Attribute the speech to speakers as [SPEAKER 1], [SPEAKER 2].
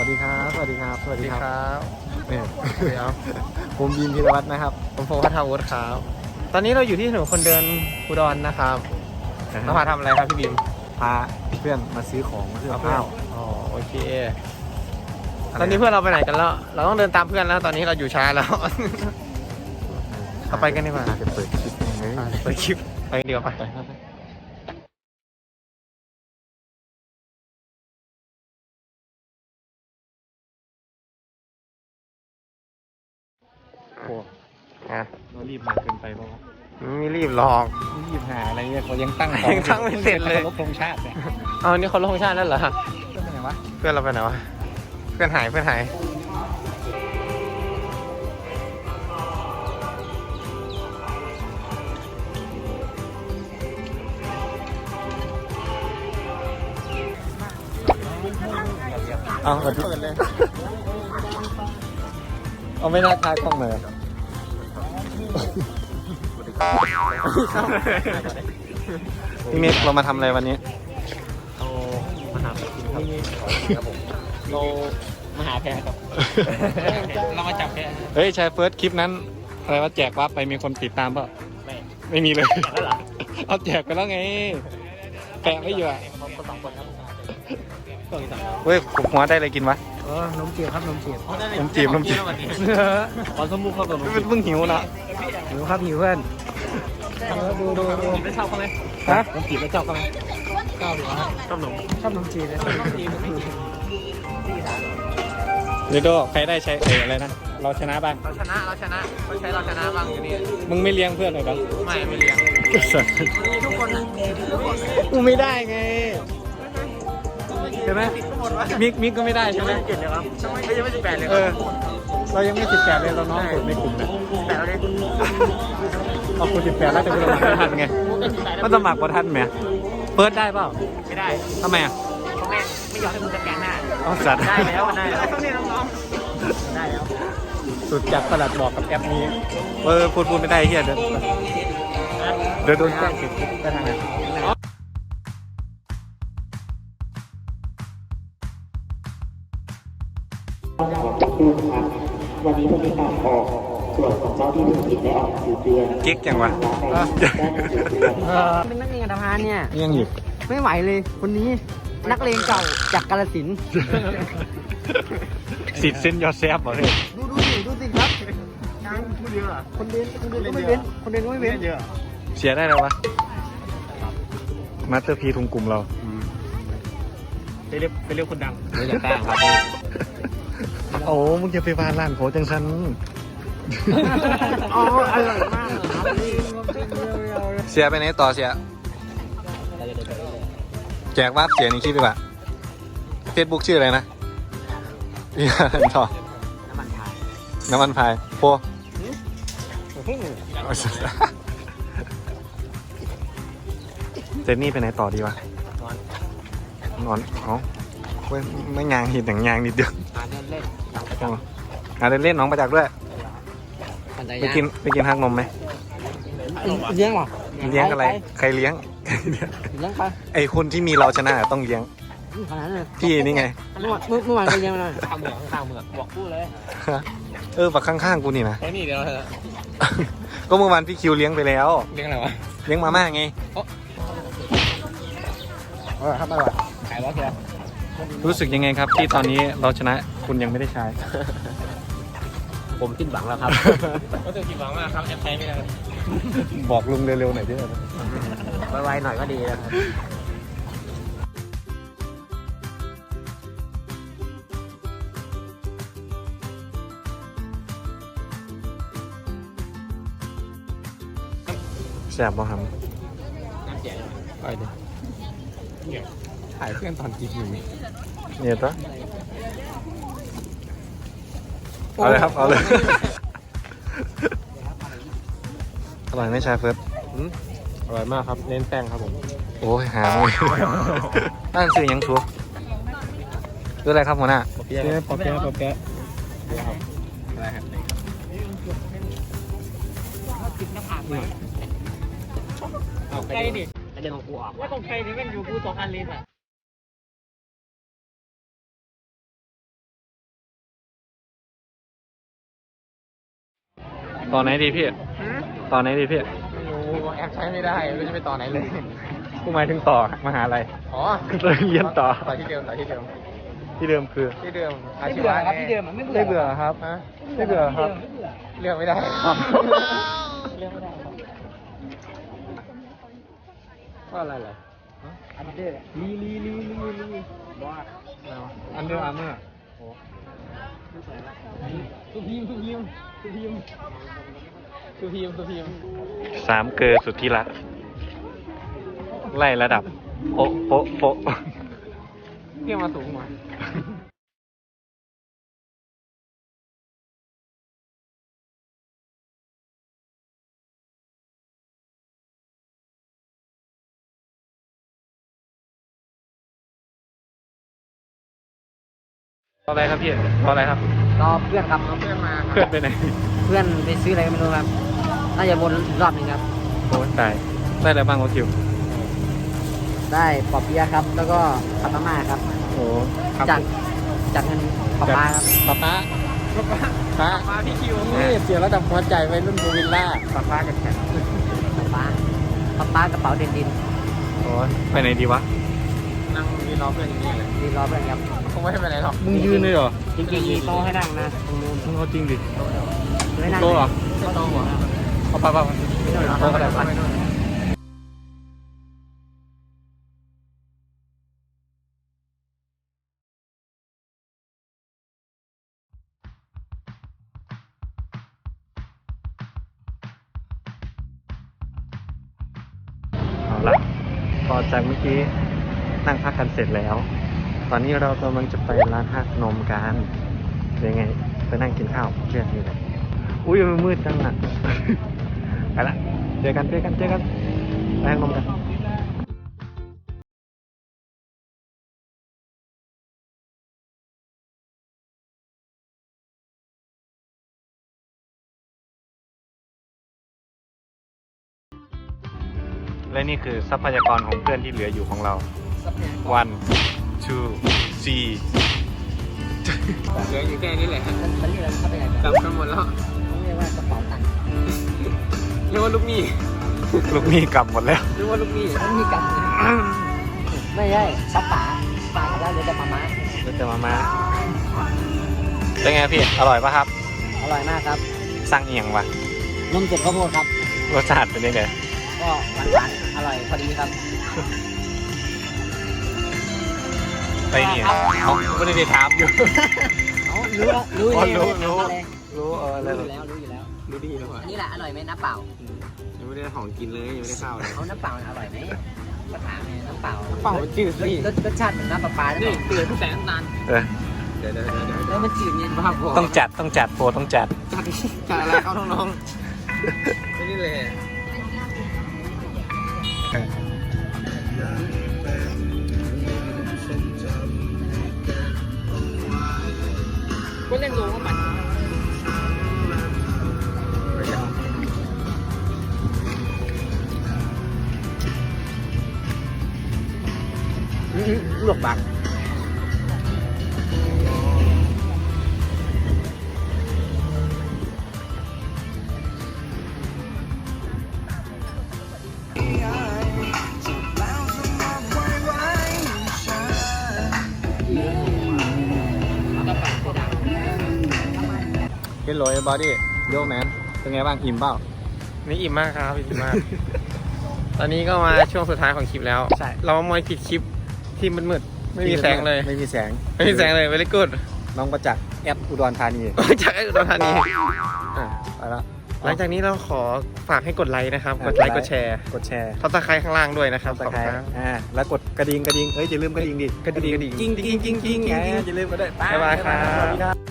[SPEAKER 1] วัสดีครับสวัสดีครับสวัสดีครับเนี่ย
[SPEAKER 2] เดี๋ยว
[SPEAKER 1] ผมบีมธีรวัฒน์นะครับ
[SPEAKER 2] ผมโฟกัสทาวุฒิครับ ตอนนี้เราอยู่ที่ถนนคนเดินอุดรนะครับเรามาทำอะไรครับพี่บิม
[SPEAKER 1] พาเพื่อนมาซื้อของมาซื้อข้าว
[SPEAKER 2] อ๋อโอเค ตอนนี้เพื่อนเราไปไหนกันแล้ว เราต้องเดินตามเพื่อนแล้ว ตอนนี้เราอยู่ช้าแล้ว เราไปกันดีกว่า
[SPEAKER 1] จะเปิดคลิปเลย
[SPEAKER 2] ไปคลิปไปเดียวไปโอ้ฮะ
[SPEAKER 1] เรารีบมาเกินไปป่ะ
[SPEAKER 2] ไม่รีบหรอก
[SPEAKER 1] รีบหาอะไรเนี่ยเขายังตั้ง
[SPEAKER 2] ยังตั้งไม่เสร็จเลย
[SPEAKER 1] รบธงชาติเนี่ย
[SPEAKER 2] เอานี่เขาลงชาติแล้วเหรอ
[SPEAKER 1] เรื่องอะไรวะ
[SPEAKER 2] เพื่อนเราไปไหนวะ เพื่อนหาย
[SPEAKER 1] เอาเปิดเลย เอาไม่น่าทายกล้องเลย
[SPEAKER 2] พี่เมฆเรามาทำอะไรวันนี้
[SPEAKER 1] เรามาหากินครับผมเรามาหาแพรครับ เรามาจับแพร
[SPEAKER 2] เฮ้ยชายเฟิร์สคลิปนั้น อะไรว่าแจกวับไปมีคนติดตามเปล่า ไม่มีเลย
[SPEAKER 1] แล้วเหรอ
[SPEAKER 2] เอาแจกไปแล้วไง แปะไม่อยู่อ่ะ
[SPEAKER 1] คนสองคนครับก็อีกสอง
[SPEAKER 2] เฮ้ยผมหัวได้อะไรกินวะ
[SPEAKER 1] นมจีบครับนมจีบ
[SPEAKER 2] นมจีบ
[SPEAKER 1] ขอสมุกครับนม
[SPEAKER 2] เพิ่งหิวนะ
[SPEAKER 1] หิวครับหิวเพื่อนดูไม่ชอบเขาไหม
[SPEAKER 2] ฮะ
[SPEAKER 1] นมจีบไม่ชอบเขาไหมชอบหรือว่าชอบนมจีบเลยนมจีบ
[SPEAKER 2] เดี๋ยวดูใครได้ใช้อะไรนะ เราชนะบ้าง
[SPEAKER 3] เราชนะเราชนะบ้างอยู่นี่
[SPEAKER 2] มึงไม่เลี้ยงเพื่อนเลยบ้าง
[SPEAKER 3] ไม่เลี้ยง
[SPEAKER 1] ทุกคนนะ
[SPEAKER 2] กูไม่ได้ไงใช่ไหมมิกก็ไม่ได้ใช่ไหม
[SPEAKER 1] เจ็ดเลยครับ
[SPEAKER 3] ยังไม่18เลย
[SPEAKER 2] เรายังไม่18เลยเราน้องกดในกลุ่มนะ
[SPEAKER 3] 18แล้วดิ
[SPEAKER 2] เอาคุณ18แล้วแต่คุณสมัครไม่ทันไงมันสมัครบ่ทันไหมเปิดได้เปล่า
[SPEAKER 3] ไม่ได้
[SPEAKER 2] ทำไมอ่ะ
[SPEAKER 3] เขาไม่ยอมให้มึงสแกนหน้า
[SPEAKER 2] เอาสัตว์
[SPEAKER 3] ได้แล้วนี่น้องๆได้แล้ว
[SPEAKER 2] สุดจัดประหลัดบอกกับแอปนี้พูดไม่ได้เฮียเดี๋ยวโดนแจ้งติดคุกไปทางไหน
[SPEAKER 4] วันนี้ผู้มีการออกส่วนของเจ้าที่ธุรกิจได้ออกหนังสือเตือน
[SPEAKER 2] เก๊กจังวะ
[SPEAKER 5] เป็นนักเรียนอัตภานเนี่ย
[SPEAKER 2] ยังอยู่
[SPEAKER 5] ไม่ไหวเลยคนนี้นักเลงเก่าจากกาฬสินธุ์
[SPEAKER 2] สิทธิ์เส้นยอดแซบเหรอเฮ้ย
[SPEAKER 5] ดูสิครับคนเรียนก็ไม่เว้นคนเรียนก็ไม่เว้น
[SPEAKER 2] เสียได้แล้ววะมาสเตอร์พีทุงกลุ่มเรา
[SPEAKER 1] ไปเรียกคนดัง
[SPEAKER 2] ไม่จะตั้งครับโอ้มึงจะไปบ้านร้านโคจังสัน
[SPEAKER 5] อ๋ออร่อยมากครับ
[SPEAKER 2] เสียไปไหนต่อเสียแจกว่าเสียในคลิปดีกว่าเฟซบุ๊กชื่ออะไรนะพี่ต่อน้ำมันพายโฟเจนนี่ไปไหนต่อดีวะนอนเอาเว้ยไม่ยางหินแต่งยางนิดเดียวเล่นน้องประจักษ์ด้วยไปกินฮักนมไหม
[SPEAKER 5] เลี้ยงเหรอ
[SPEAKER 2] เลี้ยงอะไรใครเลี้ยง
[SPEAKER 5] เลี้ยงไป
[SPEAKER 2] ไอคนที่มีเราชนะต้องเลี้ยง
[SPEAKER 5] ขนาดนั้นเลย
[SPEAKER 2] พี่นี่ไง
[SPEAKER 5] เมื่อวานก็เลี้ยงมาหน่อย
[SPEAKER 3] ข้าวเหมือกบอกพูดเลย
[SPEAKER 2] ฝักข้างๆกูนี่นะ
[SPEAKER 3] แค่นี้เดียว
[SPEAKER 2] ก็เมื่อวานพี่คิวเลี้ยงไปแล้ว
[SPEAKER 3] เรื่องอะไรวะ
[SPEAKER 2] เลี้ยงมาม่าไง
[SPEAKER 1] ครับอร่อย
[SPEAKER 3] ขายวะเชียว
[SPEAKER 2] รู้สึกยังไงครับ ที่ตอนนี้เราชนะคุณยังไม่ได้ใช้
[SPEAKER 1] ผมสิ้นหวังแล้วครับ
[SPEAKER 3] ก็จะผิดหวังมากครับแอปใช้ไม่ได้
[SPEAKER 2] บอกลุงเร็วๆหน่อยด้วย
[SPEAKER 1] ไวๆหน่อยก็ดีนะครับ
[SPEAKER 2] แสบบ่ครับ
[SPEAKER 1] ไปดิถ่ายเพื่อนตอนกินอยู่
[SPEAKER 2] เนี่ยตัวเอาเลยครับเอาเลยอร่อยไหมชายเฟิร์ส
[SPEAKER 1] อร่อยมากครับเน้นแป้งครับผม
[SPEAKER 2] โอ้ยหาเลยนั่นสื่อยังชัวคืออะไรครับหัวหน้า
[SPEAKER 1] ปอเปี๊ยะปอเปี๊ยะครับอะไรครับ
[SPEAKER 3] ใครดิ
[SPEAKER 1] ไอเรื่องของกูออก
[SPEAKER 3] ว่าของใครนี่แม่งอยู่กู2 อันเลยสั
[SPEAKER 2] ต่อไหนดีพี่ต่อไหนดีพี่
[SPEAKER 3] ไม่รู้แอปใช้ไม่ได้ไม่รู้จะไปต่อไหนเลย
[SPEAKER 2] กูหมายถึงต่อมหาลัย
[SPEAKER 3] อ๋อ
[SPEAKER 2] เรียนต่อ
[SPEAKER 3] ต่อที่เดิมต่อที่เดิม
[SPEAKER 2] ที่เดิมคือ
[SPEAKER 3] ที่เดิมอา
[SPEAKER 5] ไม่
[SPEAKER 3] ชี
[SPEAKER 5] เบื่อ
[SPEAKER 3] วะ
[SPEAKER 5] ครับที่เดิมมันไม่เบื่อ
[SPEAKER 2] ไม่เบื่อครับ
[SPEAKER 3] ฮะ
[SPEAKER 2] ไม่เบื่อครับ
[SPEAKER 3] เลือกไม่ได้
[SPEAKER 5] เรื่องไม่ได้ครับ
[SPEAKER 2] ว่าอะไรเหรอ
[SPEAKER 5] อันเดอร์ลีบอส
[SPEAKER 2] อันเดอร์อาร์เมอร์
[SPEAKER 3] สุพีม
[SPEAKER 2] สามเกอร์สุดที่รักไล่ระดับโป๊ะโป๊ะโป๊ะ
[SPEAKER 3] เที่ยวมาสูงมา
[SPEAKER 2] ต่ออะไรครับพี่ต่ออะไรครับ
[SPEAKER 5] รอเพื่อนครับ
[SPEAKER 3] เพื่อนมา
[SPEAKER 2] เพื่อนไปไหน
[SPEAKER 5] เพื่อนไปซื้ออะไรก็ไม่รู้ครับ น่าจะวนอีกรอบหนึงครับ
[SPEAKER 2] โอ้ตายได้อะไรบ้างโอคิว
[SPEAKER 5] ได้ปอเปี๊ยะครับ แล้วก็ผัดมาม่าครับ
[SPEAKER 2] โอ้ครับ
[SPEAKER 5] จากเงินป๊าป๊าครับ
[SPEAKER 2] ป๊าป๊าป๊า
[SPEAKER 3] มาพี่คิว
[SPEAKER 2] นี่เสียระดับหัวใจไปรุ่นโบวิลล่า
[SPEAKER 3] ป้ากันแข่ง
[SPEAKER 5] ป๊าป๊ากระเป๋าเด่นดิน
[SPEAKER 2] โอ้ไปไหนดีวะ
[SPEAKER 3] นั่งยืนรอเพื่อนอย่างนี้เลย
[SPEAKER 5] ดีรอเพื่อนครับ
[SPEAKER 3] คงไม่ให้ไปไหนหรอก
[SPEAKER 2] มึงยืนเลยเหรอ
[SPEAKER 5] จริงๆมีโต๊ะให้นั่งนะตรงนู้น
[SPEAKER 2] มึงเอาจริงดิ
[SPEAKER 5] ไม่นั่ง
[SPEAKER 2] โต๊ะเหรอ
[SPEAKER 3] ไม่ต้องหัว
[SPEAKER 2] เอาไป
[SPEAKER 5] ไม่นู่นเหรอ
[SPEAKER 2] โต๊ะก็ได้ไป เอาละพอจากเมื่อกี้นั่งพักกันเสร็จแล้ว ตอนนี้เรากำลังจะไปร้านฮักนมกันเป็นไงไปนั่งกินข้าวเพื่อนนี่แหละอุ้ยมันมืดจังอ่ะ ไปละเจอกันไปฮักนมกันและนี่คือทรัพยากรของเพื่อนที่เหลืออยู่ของเรา one two three
[SPEAKER 3] เหลืออยู่แค่นี้แหละ
[SPEAKER 5] มันเรียกอะไรเข้าไปไหน
[SPEAKER 3] กลับกันหมดแล้ว
[SPEAKER 5] ต้องเรียกว่ากระเป๋าตังค์
[SPEAKER 3] เรียกว่าลูกหนี้
[SPEAKER 2] ลูกหนี้กลับหมดแล้ว
[SPEAKER 3] เรียกว่าลูกหนี้
[SPEAKER 5] มันมีกำไม่ใช่ป๋าแล้วเหลือแต่ป๊าม้า
[SPEAKER 2] เราจะมาเป็นไงพี่ อร่อยปะครับ
[SPEAKER 5] อร่อยมากครับ
[SPEAKER 2] สั่งเอียงวะ
[SPEAKER 5] นมสดข้าวโพดครับ
[SPEAKER 2] รสชาติเป็นยังไง
[SPEAKER 5] ก็หวานๆอร่อยพอดีครับ
[SPEAKER 2] ไปนี่เขาไม่ได้ถามอยู่
[SPEAKER 5] เอารู้
[SPEAKER 2] อ๋อ
[SPEAKER 5] อยู่แล้ว
[SPEAKER 2] รู้อะไร
[SPEAKER 5] รู้อยู่แล้วรู้อยู่แล้ว
[SPEAKER 3] รู้ดีแล้ว
[SPEAKER 5] อันนี้แหละอร่อยไหมน้ำเปล่า
[SPEAKER 3] ยังไม่ได้ของกินเลยยังไม่ได้ข้าวเลย
[SPEAKER 5] เอาน้ำเปล่าอร่อยไหมก็ถามไงน้ำเปล่า
[SPEAKER 3] เปล่ามันจืดสิ
[SPEAKER 5] รสชาติเหมือนน้ำปลาปลาหรือ
[SPEAKER 3] นี่
[SPEAKER 5] เปล่า
[SPEAKER 3] ตื่นแสนนาน
[SPEAKER 2] เออ
[SPEAKER 3] เดี๋ยว
[SPEAKER 5] แล้วมันจืดเย็น
[SPEAKER 3] บ้าพอ
[SPEAKER 2] ต้องจัดโปรต้องจัด
[SPEAKER 3] จัดอะไรเอาน้องๆไม่นี่เลย ก็เล่นรู้ว่ามัน
[SPEAKER 5] ลวกบัก
[SPEAKER 2] เฮลโลบอดี้โยแมนเป็นไงบ้างอิ่มเปล่า
[SPEAKER 3] นี่อิ่มมากครับอิ่มมาก ตอนนี้ก็มาช่วงสุดท้ายของคลิปแล้ว
[SPEAKER 2] ใช่
[SPEAKER 3] เรามามอยผิดคลิปที่มันมืดๆไม่มีแสงเลย
[SPEAKER 2] ไม่มีแสง
[SPEAKER 3] ไม่มีแสงเลย very good
[SPEAKER 2] น้องประจักษ์แอดอุดรธานี
[SPEAKER 3] จากไอ้อุดรธานีอ่ะ
[SPEAKER 2] ไปละ
[SPEAKER 3] หลังจากนี้เราขอฝากให้กดไลค์นะครับ กดไลค์กดแชร์
[SPEAKER 2] กดแชร์
[SPEAKER 3] ทับตะไคร้ข้างล่างด้วยนะครับ
[SPEAKER 2] ตะไคร้แล้วกดกระดิ่งเอ้ยอย่าลืมกระดิ่งดิ
[SPEAKER 3] กระดิ่งกิ้งกิ้งกิ้งกิ้ง
[SPEAKER 2] อย่าลืมก็ได้
[SPEAKER 3] บ๊ายบายครับ
[SPEAKER 2] สวัสดีครับ